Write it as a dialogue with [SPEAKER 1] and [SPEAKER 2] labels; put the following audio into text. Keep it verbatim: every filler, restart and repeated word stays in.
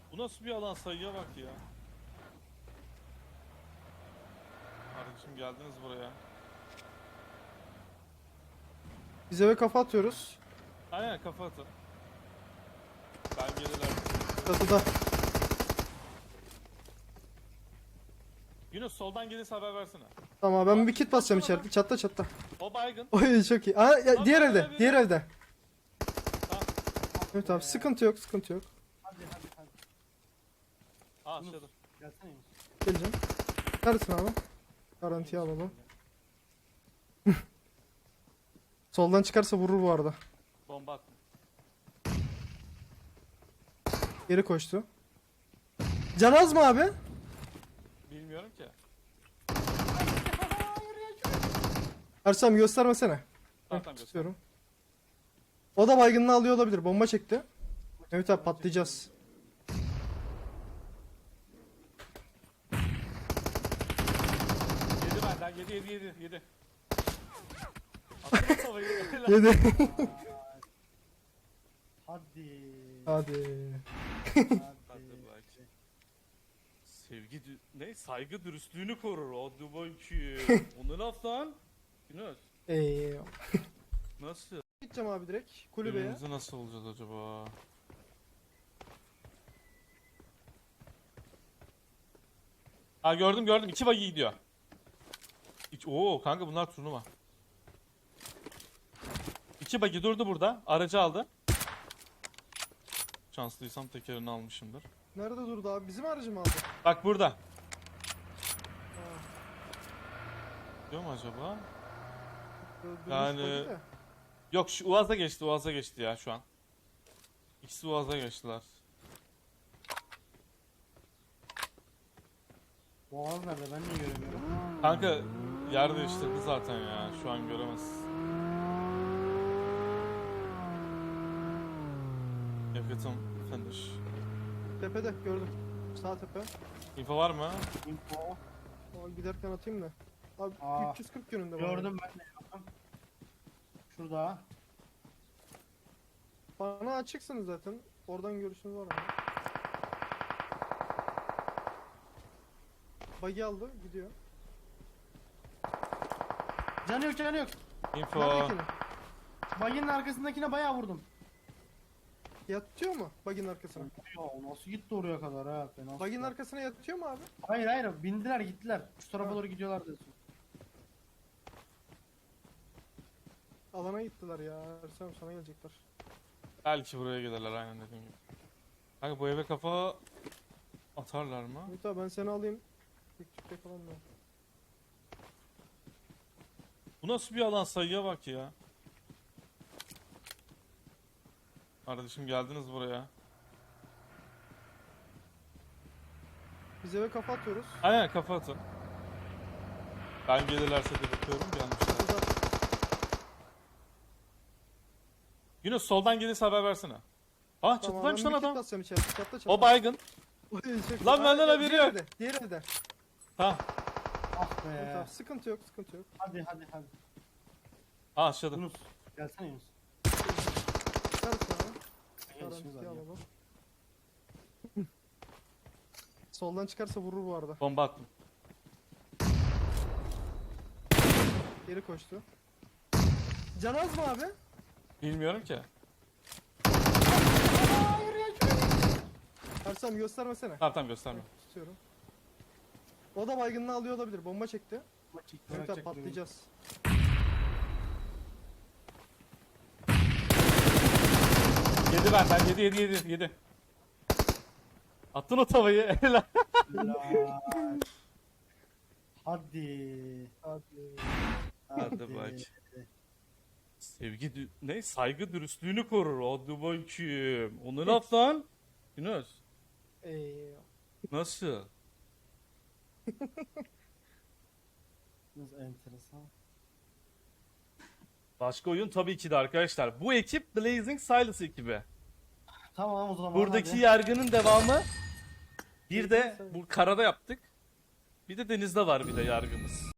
[SPEAKER 1] Bu nasıl bir alan, sayıya bak ya. Kardeşim geldiniz buraya.
[SPEAKER 2] Biz eve kafa atıyoruz.
[SPEAKER 1] Aynen, kafa atın. Ben gelirler.
[SPEAKER 2] Çatıda.
[SPEAKER 1] Yunus soldan gelirse haber versene.
[SPEAKER 2] Tamam ben bir kit basacağım içeride. Çatla çatla.
[SPEAKER 1] O baygın.
[SPEAKER 2] Oy çok iyi. Aa, ya,
[SPEAKER 1] Lan
[SPEAKER 2] diğer
[SPEAKER 1] ben
[SPEAKER 2] evde.
[SPEAKER 1] öyle bir-
[SPEAKER 2] Diğer evde.
[SPEAKER 1] Tamam.
[SPEAKER 2] Evet abi sıkıntı yok sıkıntı yok.
[SPEAKER 3] Hadi hadi hadi.
[SPEAKER 1] Aa aşağıda.
[SPEAKER 3] Gelsene Yunus.
[SPEAKER 2] Geleceğim. Neredesin abi? Garantiye alalım. Soldan çıkarsa vurur bu arada.
[SPEAKER 1] Bomba attım.
[SPEAKER 2] Geri koştu. Canaz mı abi?
[SPEAKER 1] Bilmiyorum ki.
[SPEAKER 2] Ersem göstermesene.
[SPEAKER 1] Tamam
[SPEAKER 2] Heh,
[SPEAKER 1] tamam, göster.
[SPEAKER 2] tutuyorum. O da baygınlığı alıyor olabilir. Bomba çekti. Evet abi patlayacağız.
[SPEAKER 1] Yedi benden. Yedi yedi yedi yedi. Atın o tavayı.
[SPEAKER 2] Yedi.
[SPEAKER 3] Hadi.
[SPEAKER 2] Hadi.
[SPEAKER 1] Hadi
[SPEAKER 3] Hadi.
[SPEAKER 1] bak. Sevgi dü- ne? Saygı dürüstlüğünü korur. Hadi bakayım. O ne laf lan? Yunus.
[SPEAKER 2] Eee.
[SPEAKER 1] Nasıl?
[SPEAKER 2] Gideceğim abi direkt kulübeye.
[SPEAKER 1] Birbirimizi nasıl olacağız acaba? Ha gördüm gördüm. İki buggy gidiyor. İç Oo kanka bunlar turnuva. İki buggy durdu burada. Aracı aldı. Şanslıysam tekerini almışımdır.
[SPEAKER 2] Nerede durdu abi? Bizim aracı mı aldı?
[SPEAKER 1] Bak burada.
[SPEAKER 2] Ha.
[SPEAKER 1] Diyor mu acaba?
[SPEAKER 2] Durmuş
[SPEAKER 1] Yani-
[SPEAKER 2] buggy de.
[SPEAKER 1] Yok şu Uaz'a geçti. Uaz'a geçti ya şu an. İkisi Uaz'a geçtiler.
[SPEAKER 3] Boğaz nerede? Ben niye göremiyorum?
[SPEAKER 1] Kanka yer değiştirdi zaten ya. Şu an göremez. Yakıtım finish.
[SPEAKER 2] Tepede gördüm. Sağ tepe.
[SPEAKER 1] İnfo var mı?
[SPEAKER 3] Info.
[SPEAKER 2] Aa, giderken atayım da. Abi
[SPEAKER 3] Aa,
[SPEAKER 2] üç yüz kırk yönünde var.
[SPEAKER 3] Gördüm ben de yaptım. Şurada.
[SPEAKER 2] Bana açıksınız zaten. Oradan görüşünüz var mı? Buggy aldı gidiyor.
[SPEAKER 3] Canı yok canı yok.
[SPEAKER 1] Info.
[SPEAKER 2] Neredekini?
[SPEAKER 3] Baginin arkasındakine bayağı vurdum.
[SPEAKER 2] Yatıyor mu buggy'nin arkasına?
[SPEAKER 3] Ya nasıl gitti oraya kadar ha? Fena
[SPEAKER 2] Buggy'nin
[SPEAKER 3] süper.
[SPEAKER 2] arkasına yatıyor mu abi?
[SPEAKER 3] Hayır hayır bindiler gittiler. Şu tarafa
[SPEAKER 2] Ha.
[SPEAKER 3] doğru gidiyorlar diyorsun.
[SPEAKER 2] Alana gittiler ya. Ersem sana gelecekler.
[SPEAKER 1] Belki buraya gelirler aynen dediğim gibi. Kanka bu eve kafa atarlar mı?
[SPEAKER 2] Ümit abi ben seni alayım. Küçükte falan da.
[SPEAKER 1] Bu nasıl bir alan, sayıya bak ya. Kardeşim geldiniz buraya.
[SPEAKER 2] Biz eve kafa atıyoruz.
[SPEAKER 1] Aynen kafa atın. Ben gelirlerse de bakıyorum gelmişler.
[SPEAKER 2] Burada
[SPEAKER 1] Yunus soldan gelirse haber versene. Ah
[SPEAKER 2] tamam,
[SPEAKER 1] çatıdaymış
[SPEAKER 2] ben
[SPEAKER 1] lan
[SPEAKER 2] bir kit
[SPEAKER 1] adam.
[SPEAKER 2] basacağım içeride. Çatla çatla.
[SPEAKER 1] O baygın.
[SPEAKER 2] Oy, çok
[SPEAKER 1] Lan
[SPEAKER 2] iyi.
[SPEAKER 1] benden
[SPEAKER 2] Aa,
[SPEAKER 1] haberi
[SPEAKER 2] diğer
[SPEAKER 1] yok.
[SPEAKER 2] evde, Diğer evde.
[SPEAKER 1] Ha.
[SPEAKER 3] Ah
[SPEAKER 2] Evet
[SPEAKER 3] be.
[SPEAKER 2] abi sıkıntı yok sıkıntı yok.
[SPEAKER 3] Hadi hadi hadi.
[SPEAKER 1] Ha aşağıda.
[SPEAKER 3] Yunus. Gelsene Yunus.
[SPEAKER 2] Neredesin abi?
[SPEAKER 3] Gel işimiz var
[SPEAKER 2] Garantiye
[SPEAKER 3] ya.
[SPEAKER 2] alalım. Soldan çıkarsa vurur bu arada.
[SPEAKER 1] Bomba attım.
[SPEAKER 2] Geri koştu. Canaz mı abi?
[SPEAKER 1] Bilmiyorum ki.
[SPEAKER 2] Ersem göstermesene.
[SPEAKER 1] Tamam tamam gösterme.
[SPEAKER 2] Tutuyorum. O da baygınlığı alıyor olabilir. Bomba çekti.
[SPEAKER 3] Çekti,
[SPEAKER 2] Evet abi
[SPEAKER 3] bırakacak
[SPEAKER 2] patlayacağız.
[SPEAKER 1] Yedi benden. Yedi yedi yedi yedi. Attın o tavayı. Helal.
[SPEAKER 3] beni. Helal. Hadi.
[SPEAKER 2] Hadi.
[SPEAKER 1] Hadi bak. Sevgi dü- ne? Saygı dürüstlüğünü korur. Hadi bakayım. O ne laf lan? Yunus.
[SPEAKER 2] Eee.
[SPEAKER 1] Nasıl?
[SPEAKER 3] Yunus enteresan.
[SPEAKER 1] Başka oyun tabii ki de arkadaşlar. Bu ekip Blazing Silas ekibi.
[SPEAKER 3] Tamam o zaman
[SPEAKER 1] Buradaki
[SPEAKER 3] hadi.
[SPEAKER 1] yargının devamı. Bir de bu karada yaptık. Bir de denizde var bir de yargımız.